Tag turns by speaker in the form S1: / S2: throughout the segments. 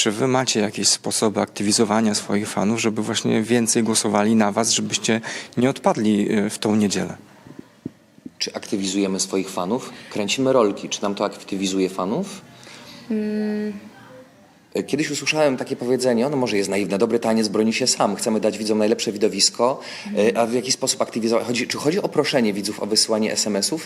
S1: czy wy macie jakieś sposoby aktywizowania swoich fanów, żeby właśnie więcej głosowali na was, żebyście nie odpadli w tą niedzielę?
S2: Czy aktywizujemy swoich fanów? Kręcimy rolki. Czy nam to aktywizuje fanów? Kiedyś usłyszałem takie powiedzenie, ono może jest naiwne, dobry taniec broni się sam, chcemy dać widzom najlepsze widowisko, a w jaki sposób aktywizować? Czy chodzi o proszenie widzów o wysyłanie SMS-ów?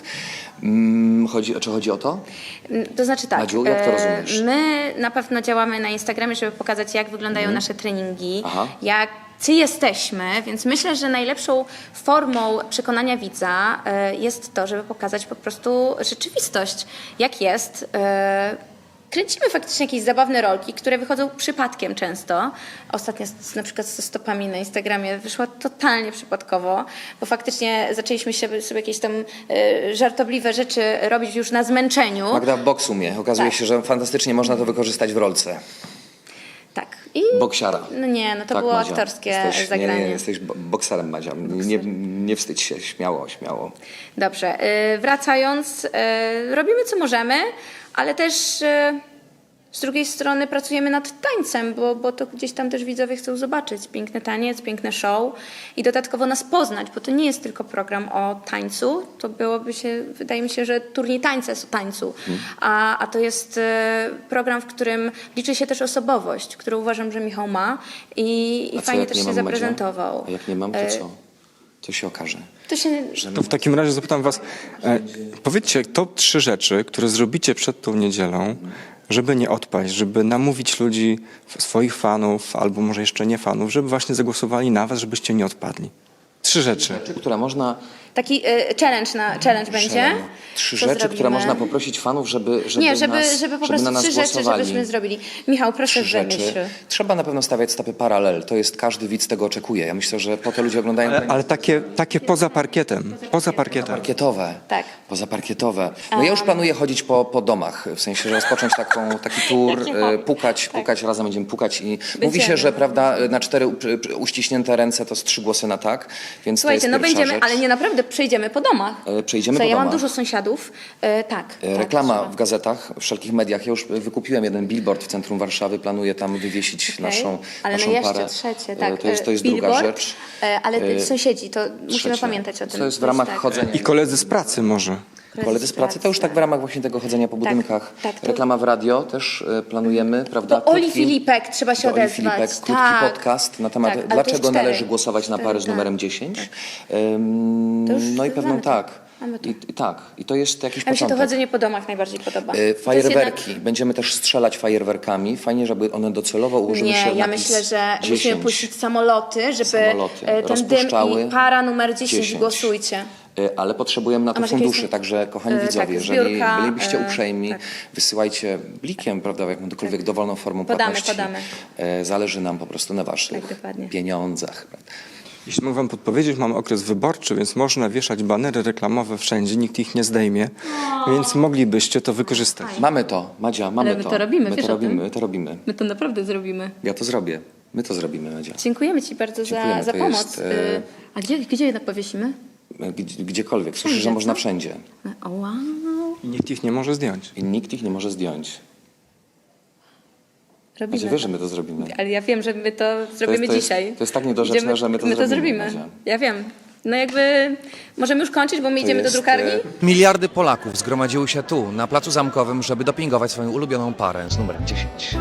S2: Czy chodzi o to?
S3: To znaczy tak,
S2: Madziu, jak to rozumiesz?
S3: my na pewno działamy na Instagramie, żeby pokazać, jak wyglądają nasze treningi,
S2: Aha.
S3: jacy jesteśmy, więc myślę, że najlepszą formą przekonania widza jest to, żeby pokazać po prostu rzeczywistość, jak jest. Kręcimy faktycznie jakieś zabawne rolki, które wychodzą przypadkiem często. Ostatnio na przykład ze stopami na Instagramie wyszła totalnie przypadkowo, bo faktycznie zaczęliśmy sobie jakieś tam żartobliwe rzeczy robić już na zmęczeniu.
S2: Magda w boksu mnie. Okazuje się, że fantastycznie można to wykorzystać w rolce.
S3: Tak. I
S2: Boksiara.
S3: no nie, no to
S2: Tak,
S3: było
S2: Madzia.
S3: aktorskie
S2: Nie,
S3: zagranie.
S2: jesteś bokserem, Madzia. Nie wstydź się, śmiało, śmiało.
S3: Dobrze, wracając, robimy co możemy, ale też z drugiej strony pracujemy nad tańcem, bo to gdzieś tam też widzowie chcą zobaczyć piękny taniec, piękne show i dodatkowo nas poznać, bo to nie jest tylko program o tańcu, to byłoby się, wydaje mi się, że turniej tańca jest o tańcu, a to jest program, w którym liczy się też osobowość, którą uważam, że Michał ma i
S2: A co,
S3: fajnie
S2: jak
S3: też
S2: nie
S3: się
S2: mam,
S3: zaprezentował.
S2: Madzia? A jak nie mam, to co? To się okaże.
S3: To się...
S1: To w takim razie zapytam was, powiedzcie top 3 rzeczy, które zrobicie przed tą niedzielą, żeby nie odpaść, żeby namówić ludzi, swoich fanów, albo może jeszcze nie fanów, żeby właśnie zagłosowali na was, żebyście nie odpadli. 3 rzeczy.
S2: Które można...
S3: Taki challenge będzie.
S2: 3
S3: Co
S2: rzeczy, które
S3: zrobimy?
S2: można poprosić fanów, żeby
S3: żeby po
S2: na
S3: prostu
S2: nas
S3: 3 rzeczy,
S2: głosowali.
S3: żebyśmy zrobili. Michał, proszę
S2: 3
S3: wymyśl.
S2: rzeczy. Trzeba na pewno stawiać stopy paralel. To jest, każdy widz tego oczekuje. Ja myślę, że po to ludzie oglądają...
S1: Ale takie poza parkietem. Poza parkietem.
S2: Parkietowe.
S3: Tak.
S2: Pozaparkietowe. No ja już planuję chodzić po domach, w sensie, że rozpocząć taki tour, pukać, razem będziemy pukać i mówi się, że prawda, na 4 uściśnięte ręce to z 3 głosy na tak, więc
S3: Słuchajcie,
S2: to
S3: no
S2: jest pierwsza
S3: będziemy,
S2: rzecz.
S3: ale nie naprawdę przejdziemy po domach.
S2: Przejdziemy po
S3: Ja mam
S2: domach.
S3: dużo sąsiadów. Tak.
S2: Reklama
S3: trzeba.
S2: w gazetach, w wszelkich mediach. Ja już wykupiłem jeden billboard w centrum Warszawy, planuję tam wywiesić
S3: Okej.
S2: naszą
S3: Ale
S2: naszą
S3: no jeszcze
S2: parę.
S3: trzecie, tak.
S2: To jest druga
S3: Billboard,
S2: rzecz.
S3: Ale sąsiedzi, to musimy
S2: Trzecie.
S3: pamiętać o tym.
S2: To jest w ramach
S3: tak.
S2: chodzenia.
S1: I koledzy z pracy może.
S2: Koledzy z pracy, to już tak w ramach właśnie tego chodzenia po budynkach.
S3: tak, to-
S2: Reklama w radio też planujemy, prawda?
S3: Do Oli
S2: Krótki-
S3: Filipek trzeba się
S2: do Oli
S3: odezwać.
S2: Filipek, krótki
S3: Tak.
S2: podcast na temat
S3: Tak, ale to już
S2: dlaczego
S3: 4.
S2: należy głosować na parę z
S3: 4,
S2: numerem 10.
S3: To już
S2: No i pewną
S3: mamy to.
S2: tak.
S3: Mamy to.
S2: I tak. I to jest jakiś
S3: A mi się to
S2: początek.
S3: chodzenie po domach najbardziej podoba. To jest
S2: Fajerwerki.
S3: jednak-
S2: Będziemy też strzelać fajerwerkami. Fajnie, żeby one docelowo ułożyły się
S3: Nie,
S2: w
S3: ja
S2: napis
S3: myślę, że
S2: 10.
S3: musimy puścić samoloty, żeby
S2: Samoloty
S3: ten dym
S2: rozpuszczały
S3: i para numer 10,
S2: 10.
S3: głosujcie.
S2: Ale potrzebujemy na to
S3: masz jakieś-
S2: funduszy, także kochani
S3: tak,
S2: widzowie, jeżeli
S3: zbiórka,
S2: bylibyście uprzejmi,
S3: tak.
S2: wysyłajcie blikiem, prawda, jakąkolwiek dowolną formą płatności.
S3: Podamy.
S2: Zależy nam po prostu na waszych
S3: Tak, dokładnie.
S2: pieniądzach.
S1: Jeśli mogę wam podpowiedzieć, mamy okres wyborczy, więc można wieszać banery reklamowe wszędzie, nikt ich nie zdejmie, więc moglibyście to wykorzystać.
S2: Mamy to, Madzia, mamy
S3: Ale my
S2: to.
S3: to robimy,
S2: my
S3: wiesz
S2: to
S3: o
S2: robimy,
S3: tym?
S2: my to robimy.
S3: My to naprawdę zrobimy.
S2: Ja to zrobię. My to zrobimy, Madzia.
S3: Dziękujemy Ci bardzo
S2: Dziękujemy,
S3: za
S2: to
S3: pomoc.
S2: jest,
S3: A gdzie jednak powiesimy?
S2: Gdziekolwiek. Słyszę, że
S3: Wszędzie,
S2: można
S3: co?
S2: wszędzie.
S3: O, wow.
S1: I nikt ich nie może zdjąć.
S2: I nikt ich nie może zdjąć.
S3: Robimy
S2: Madzia, wiesz, że my to zrobimy.
S3: Ale ja wiem, że my to zrobimy
S2: to jest-
S3: dzisiaj.
S2: to jest tak niedorzeczne, że my to zrobimy, Madzia.
S3: Ja wiem. No jakby możemy już kończyć, bo my idziemy do
S2: jest,
S3: drukarni.
S4: Miliardy Polaków zgromadziły się tu, na Placu Zamkowym, żeby dopingować swoją ulubioną parę z numerem 10.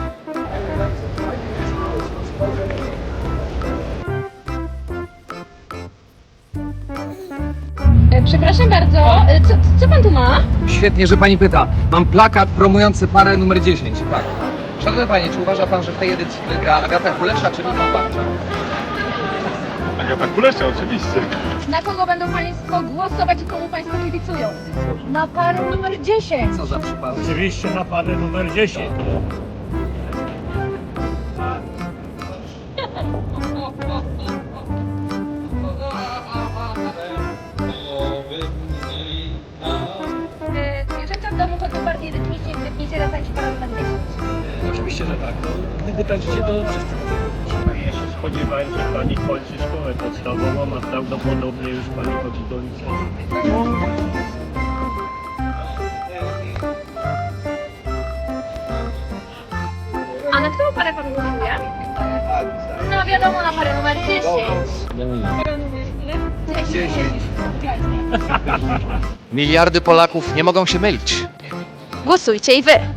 S3: Przepraszam bardzo, co pan tu ma?
S5: Świetnie, że pani pyta. Mam plakat promujący parę numer 10. Tak. Szanowny panie, czy uważa pan, że w tej edycji wygra Agata Kulesza czy Michał Barcza?
S6: Agata Kulesza, oczywiście.
S7: Na kogo będą Państwo głosować i komu Państwo kibicują? Na parę numer 10.
S5: Co za przypadek?
S6: Oczywiście na parę numer 10.
S7: Zwierzęta w domu chodzą bardziej rytmicznie, gdy pniecie razem parę numer 10.
S5: Oczywiście, że tak. No, gdy tańczycie, to wszyscy
S6: Ja się spodziewałem, że pani kończy szkołę podstawową, a prawdopodobnie już pani chodzi do liceum.
S7: A na którą parę pan głosuje? No wiadomo, na parę numer 10. 10.
S4: Miliardy Polaków nie mogą się mylić.
S7: Głosujcie i wy.